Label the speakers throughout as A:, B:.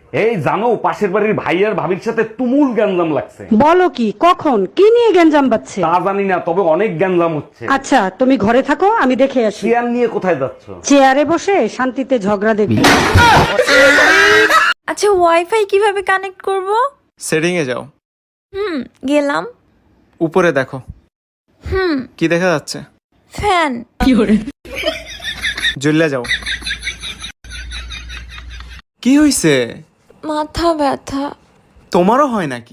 A: এই জানো, পাশের বাড়ির ভাই আর ভাবির সাথে তুমুল গ্যাঞ্জাম লাগছে।
B: বলো কি, কখন, কি নিয়ে গ্যাঞ্জাম বাজছে?
A: তা জানি না, তবে অনেক গ্যাঞ্জাম হচ্ছে।
B: আচ্ছা, তুমি ঘরে থাকো, আমি দেখে আসি।
A: চেয়ার নিয়ে কোথায় যাচ্ছ?
B: চেয়ারে বসে শান্তিতে ঝগড়া দেখবি।
C: আচ্ছা, ওয়াইফাই কিভাবে কানেক্ট করব?
D: সেটিং এ যাও।
C: গেলাম।
D: উপরে দেখো। কি দেখা যাচ্ছে?
C: ফ্যান।
D: জ্বললে যাও। কি হইছে?
C: মাথা ব্যথা।
D: তোমারও হয় নাকি?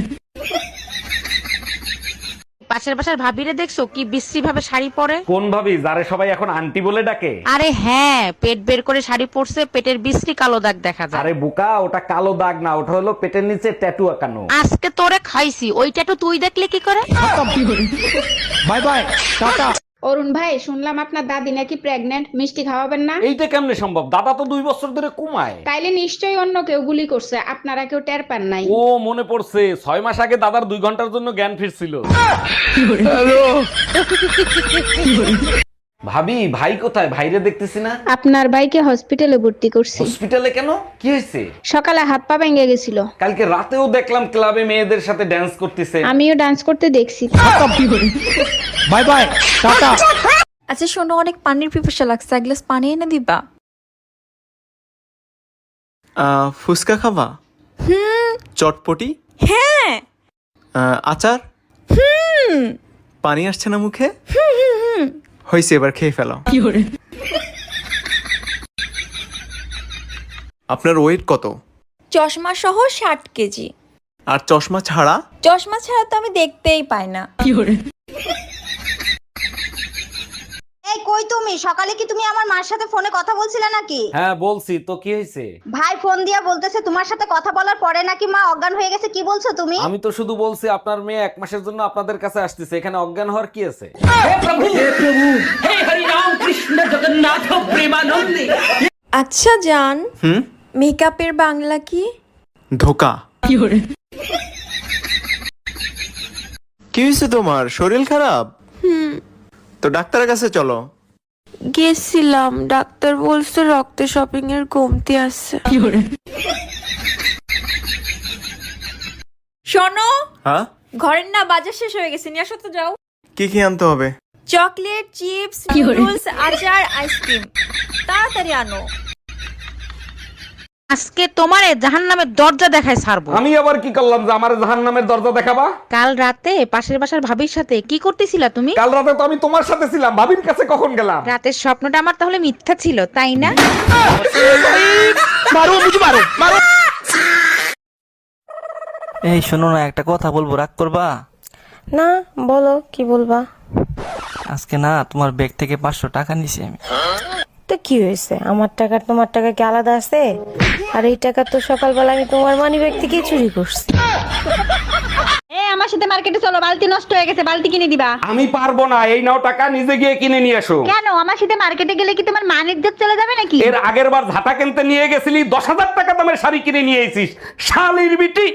E: পাশের বাসার ভাবিরে দেখছো কি বিশ্রী ভাবে শাড়ি পরে?
A: কোন ভাবি, যারে সবাই এখন আন্টি বলে ডাকে?
E: আরে হ্যাঁ, পেট বের করে শাড়ি পরছে, পেটের বিশ্রী কালো দাগ দেখা যায়।
A: আরে বোকা, ওটা কালো দাগ না, ওটা হলো পেটের নিচে ট্যাটু আঁকানো।
E: আজকে তোরে খাইছি, ওইটা তো তুই দেখলে কি করে?
A: By bye, tata.
F: অরুণ ভাই, শুনলাম আপনার দাদি নাকি প্রেগনেন্ট, মিষ্টি খাওয়াবেন না?
A: এইটা কেমনে সম্ভব? দাদা তো 2 বছর ধরে কমায়।
F: তাইলে নিশ্চয়ই অন্য কেউ গুলি করছে, আপনারা কেউ টের পান নাই।
A: ও মনে পড়ছে, 6 মাস আগে দাদার 2 ঘন্টার জন্য জ্ঞান ফিরছিল। ভাবি, ভাই কোথায়? ভাইরে দেখতেছি না।
F: আপনার ভাইকে হসপিটালে ভর্তি করছি।
A: হসপিটালে কেন? কি হয়েছে?
F: সকালে হাত পা ভেঙে গেছিল।
A: কালকে রাতেও দেখলাম ক্লাবে মেয়েদের সাথে ড্যান্স করতেছে।
F: আমিও ডান্স করতে দেখছি।
A: Bye bye, ta-ta.
C: আচ্ছা শোনো, অনেক পানির পিপাসা লাগছে, এক গ্লাস পানি এনে দিবা?
D: ফুচকা খাবা? চটপটি?
C: হ্যাঁ।
D: আচার? পানি আসছে না মুখে? হয়েছে, এবার খেয়ে ফেলো। আপনার ওয়েট কত?
C: চশমা সহ 60 কেজি।
D: আর চশমা ছাড়া?
C: চশমা ছাড়া তো আমি দেখতেই পাই না।
G: এই কই তুমি? সকালে কি তুমি আমার মার সাথে ফোনে কথা বলছিলে নাকি?
A: হ্যাঁ বলছি তো, কি হয়েছে?
G: ভাই ফোন দিয়া বলতেছে তোমার সাথে কথা বলার পরে নাকি মা অজ্ঞান হয়ে গেছে। কি বলছো তুমি?
A: আমি তো শুধু বলছি আপনার মেয়ে 1 মাসের জন্য আপনাদের কাছে আসতেছে, এখানে অজ্ঞান হওয়ার কি আছে?
C: আচ্ছা জান, মেকআপের বাংলা কি?
D: ধোকা। কি হয়েছে তোমার? শরীর খারাপ? তো ডাক্তারের কাছে চলো।
C: গেছিলাম, ডাক্তার বলছে রক্তে শপিং এর কমতি আছে। শোনো,
D: হ্যাঁ,
C: ঘরের না বাজার শেষ হয়ে গেছে, নিয়ে আসো তো যাও।
D: কি কি আনতে হবে?
C: চকলেট, চিপস, নুডলস, আচার, আইসক্রিম, তাড়াতাড়ি আনো।
E: আজকে তোমারে জাহান্নামের দরজা দেখায় ছাড়বো।
A: আমি আবার কি করলাম যে আমার জাহান্নামের দরজা দেখাবা?
E: কাল রাতে পাশের বাসার ভাবির সাথে কি করতেছিলা তুমি?
A: কাল রাতে তো আমি তোমার সাথে ছিলাম, ভাবির কাছে কখন গেলাম?
E: রাতের স্বপ্নটা আমার তাহলে মিথ্যা ছিল, তাই না?
H: এই শোনো না, একটা কথা বলবো, রাগ করবা?
C: না, বলো কি বলবা?
H: আজকে না তোমার ব্যাগ থেকে 500 টাকা নিছি আমি।
I: তো কি হয়েছে? আমার টাকা তোমার টাকা কি আলাদা আছে? আর এই টাকা তো সকালবেলা আমি তোমার মানিব্যাগ থেকে চুরি করছি।
F: আমার সাথে মার্কেটে চলো, বালতি নষ্ট হয়ে গেছে, বালতি কিনে দিবা।
A: আমি পারবো না, এই নাও টাকা, নিজে গিয়ে কিনে নিয়ে এসো।
F: কেন? আমার সাথে মার্কেটে গেলে কি তোমার মান ইজ্জত চলে যাবে নাকি?
A: এর আগের বার ঝাঁটা কিনতে নিয়ে গেছিলি, 10,000 টাকা দামের শাড়ি কিনে নিয়ে এসিস, শালির বিটি।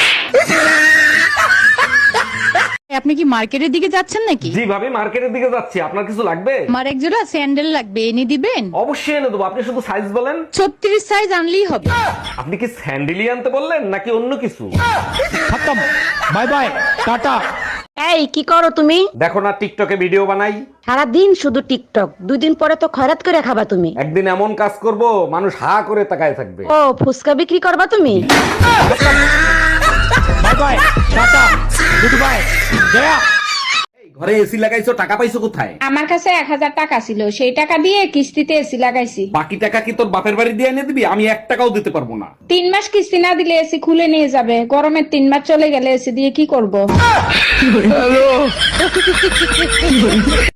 J: আপনি কি মার্কেটের দিকে যাচ্ছেন নাকি?
A: জি ভাবি, মার্কেটের দিকে যাচ্ছি। আপনার কিছু লাগবে?
J: আমার এক জোড়া স্যান্ডেল লাগবে, এনে দিবেন?
A: অবশ্যই এনে দেবো, আপনি শুধু সাইজ বলেন।
J: 36 সাইজ আনলেই হবে।
A: আপনি কি স্যান্ডেলই আনতে বললেন নাকি অন্য কিছু?
B: Bye bye, ta-ta.
E: এই কি করো তুমি?
A: দেখো না, টিকটকে ভিডিও বানাই।
E: সারাদিন শুধু টিকটক, 2 দিন পরে তো খয়রাত করে খাবা তুমি।
A: একদিন এমন কাজ করব, মানুষ হা করে তাকায় থাকবে।
E: ও ফুচকা বিক্রি করবা তুমি?
B: Bye bye, ta-ta, good bye, গয়া।
A: ঘরে এসি লাগাইছো, টাকা পাইছো কোথায়?
F: আমার কাছে 1000 টাকা ছিল, সেই টাকা দিয়ে কিস্তিতে এসি লাগাইছি।
A: বাকি টাকা কি তোর বাপের বাড়ি দিয়ে এনে দিবি? আমি 1 টাকাও দিতে পারবো না।
F: 3 মাস কিস্তি না দিলে এসি খুলে নিয়ে যাবে। গরমের 3 মাস চলে গেলে এসি দিয়ে কি করব?